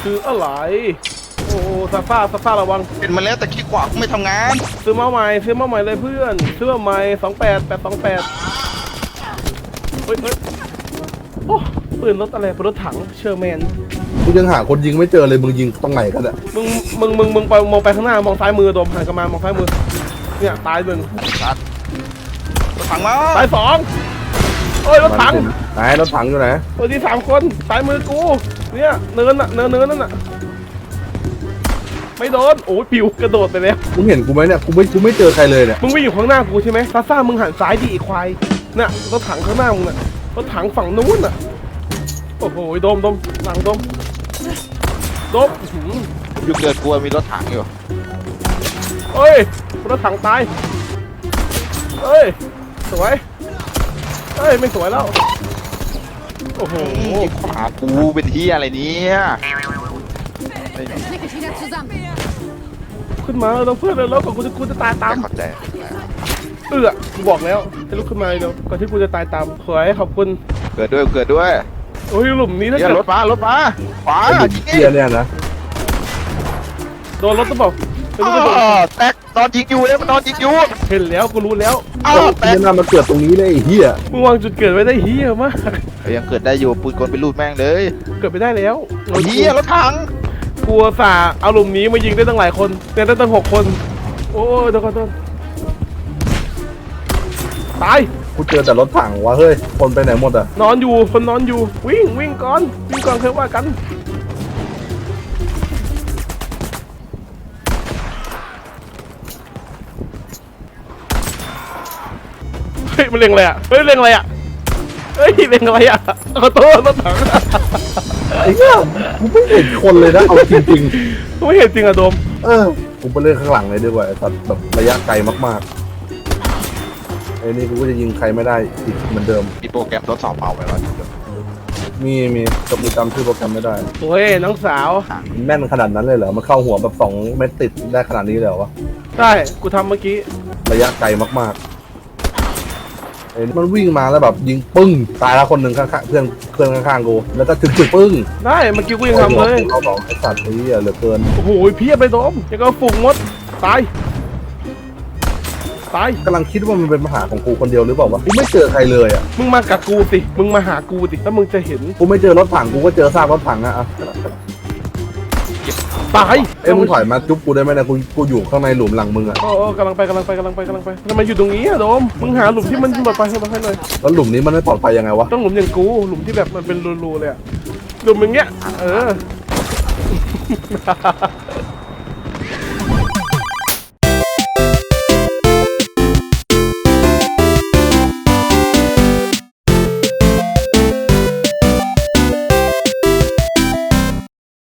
คืออะไรโอ้ซาฟ้าระวังเป็นมาแล้วแต่ขี้ขวาไม่ทำงานซื้อมาใหม่เลยเพื่อนซื้อมาใหม่28 เฮ้ยโอ้ปืนรถอะไรปืนรถถังเชอร์แมนกูยังหาคนยิงไม่เจอเลยมึงยิงตรงไหนกันอะมึงไปมองไปข้างหน้ามองซ้ายมือโดมหันกลับมามองซ้ายมือเนี่ยตาย1 ชัดรถถังมาตาย2โอ้ยรถถังไหนรถถังอยู่ไหนตัวที่3คนซ้ายมือกูเนี่ยเนินนั่นน่ะไม่โดนโอ้ยปิวกระโดดไปแล้วมึงเห็นกูไหมเนี่ยกูไม่เจอใครเลยเนี่ยมึงไม่อยู่ข้างหน้ากูใช่ไหมซ่ามึงหันซ้ายดิไอ้ควายน่ะรถถังข้างหน้ามึงน่ะรถถังฝั่งนู้นน่ะโอ้โหโดมหลังโดมอยู่เกิดกลัวมีรถถังอยู่เอ้ยรถถังตายเอ้ยสวยเอ้ยไม่สวยแล้วโอ้โหขี้ขวากูเป็นที่อะไรเนี่ยไม่มี Klicke wieder zusammen. ขึ้นมาเราเพื่อนเลยแล้วก่อนกูจะตายตามเข้าใจกูบอกแล้วให้ลุกขึ้นมาเดี๋ยวก่อนที่กูจะตายตามสวยขอบคุณเกิดด้วยโอ้ยหลุมนี้ถ้าเนี่ยเกิดรถมาขวาไอ้เกียร์เนี่ยนะโดนรถต้องบอกไม่รู้จะโดนแตกนอนยิงอยู่เนี่ยมันนอนยิงอยู่เห็นแล้วกูรู้แล้วแตกเกียร์น่ามาเกิดตรงนี้เลยไอ้เหี้ยมึงวางจุดเกิดไว้ได้เฮียมากยังเกิดได้อยู่ปืนกลไปรูดแม่งเลยเกิดไปได้แล้วเฮียรถถังกลัวสาเอาหลุมนี้มายิงได้ตั้งหลายคนเนี่ยได้ตั้ง6 คนโอ้ยเดี๋ยวก่อนตายกูเจอแต่รถถังวะเฮ้ยคนไปไหนหมดอะนอนอยู่คนนอนอยู่วิ่งก่อนเคยว่ากันเฮ้ยมันเล็งอะไรอ่ะเล็งอะไรอ่ะขอโทษรถถังไอ้เหี้ยกูไม่เห็นคนเลยนะเอาจริงไม่เห็นจริงอะโดมๆกูไปเล่นข้างหลังเลยดีกว่าไอ้สัตว์แบบระยะไกลมากๆไอ้นี่กูก็จะยิงใครไม่ได้อีกเหมือนเดิมมีโปรแกรมทดสอบเมาไปแล้วมีแต่กูจำชื่อโปรแกรมไม่ได้โอ้ยน้องสาวแม่นขนาดนั้นเลยเหรอมันเข้าหัวแบบ2 เม็ดติดได้ขนาดนี้เลยเหรอวะได้กูทำเมื่อกี้ระยะไกลมากๆไอ้นี่มันวิ่งมาแล้วแบบยิงปึ้งตายแล้วคนหนึ่งข้างๆเพื่อนข้างๆกูแล้วก็ถึกปึ้งได้เมื่อกี้กูยังทำเลยเอาสองไอ้สัตว์นี้เหลือเกินโอ้โหเพียบไปโดมยังก็ฝูงมดตายกำลังคิดว่ามันเป็นปัญหาของกูคนเดียวหรือเปล่าวะกูไม่เจอใครเลยอ่ะมึงมากับกูสิมึงมาหากูสิแล้วมึงจะเห็นกูไม่เจอรถถังกูก็เจอซากรถถังอะตายเอ้ยมึงถอยมาจุ๊บกูได้ไหมนะกูอยู่ข้างในหลุมหลังมึงอะโอ้กำลังไปทำไมอยู่ตรงนี้อะโดมมึงหาหลุมที่มันแบบไปให้หน่อยแล้วหลุมนี้มันไม่ปลอดภัยยังไงวะต้องหลุมอย่างกูหลุมที่แบบมันเป็นรูๆเลยอะหลุมอย่างเงี้ย